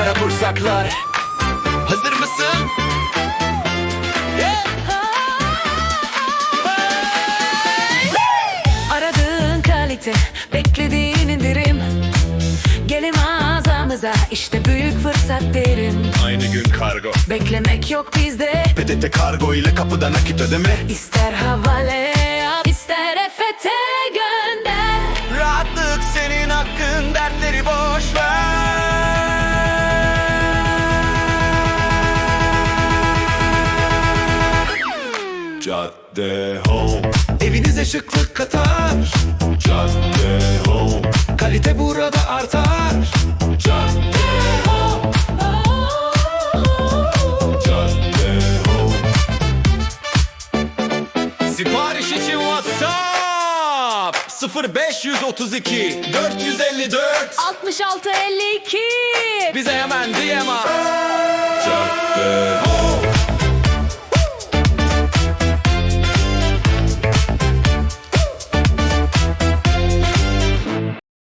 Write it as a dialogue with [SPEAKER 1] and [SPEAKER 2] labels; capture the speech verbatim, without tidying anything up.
[SPEAKER 1] kara bursaklar. Hazır mısın?
[SPEAKER 2] Aradığın kalite, beklediğin indirim. Gelin mağazamıza, işte büyük fırsat derim.
[SPEAKER 1] Aynı gün kargo.
[SPEAKER 2] Beklemek yok bizde.
[SPEAKER 1] P T T kargo ile kapıda nakit ödeme.
[SPEAKER 2] İster havale yap, ister E F T gönder.
[SPEAKER 1] Rahatlık senin hakkın, dertleri boş ver. Cadde Home, evinize şıklık katar. Cadde Home, kalite burada artar. Cadde Home, Cadde Home. Sipariş için WhatsApp sıfır beş otuz iki dört yüz elli dört
[SPEAKER 2] altmış altı elli iki.
[SPEAKER 1] Bize hemen D M at. Cadde